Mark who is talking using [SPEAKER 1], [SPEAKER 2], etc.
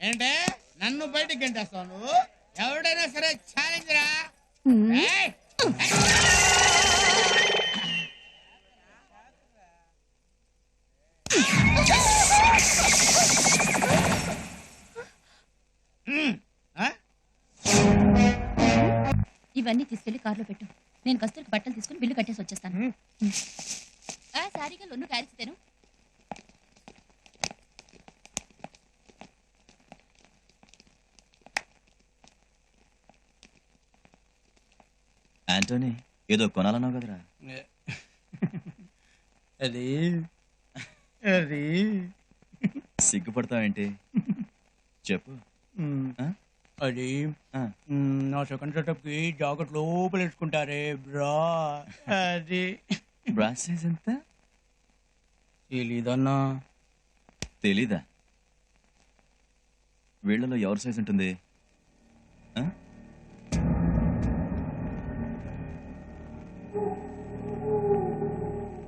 [SPEAKER 1] ఏంటే నన్ను బయటికి గంటేస్తావు నువ్వు? ఎవడైనా సరే ఛాలెంజ్ రా. ఏయ్! ఆ?
[SPEAKER 2] ఇవన్నీ తీసుకెళ్లి కార్లో పెట్టు. నేను కస్తూరికి బట్టలు తీసుకుని బిల్లు కట్టేసి వచ్చేస్తాను. సారీగా లొన్ను కారిస్తేను.
[SPEAKER 3] ఆంటోనీ ఏదో కొనాలన్నావు కదరా?
[SPEAKER 1] అది అది
[SPEAKER 3] సిగ్గుపడతావేంటి? చెప్పు. ఆ?
[SPEAKER 1] అది
[SPEAKER 3] ఆ.
[SPEAKER 1] నా సెకండ్ సెటప్ కి జాకెట్ లోపల వేసుకుంటారే బ్రా. అది
[SPEAKER 3] బ్రాస్ సైజ్ ఎంత?
[SPEAKER 1] తెలీదన్నా.
[SPEAKER 3] తెలీదా? వీళ్ళలో ఎవరి సైజ్ ఉంటుంది? ఆ?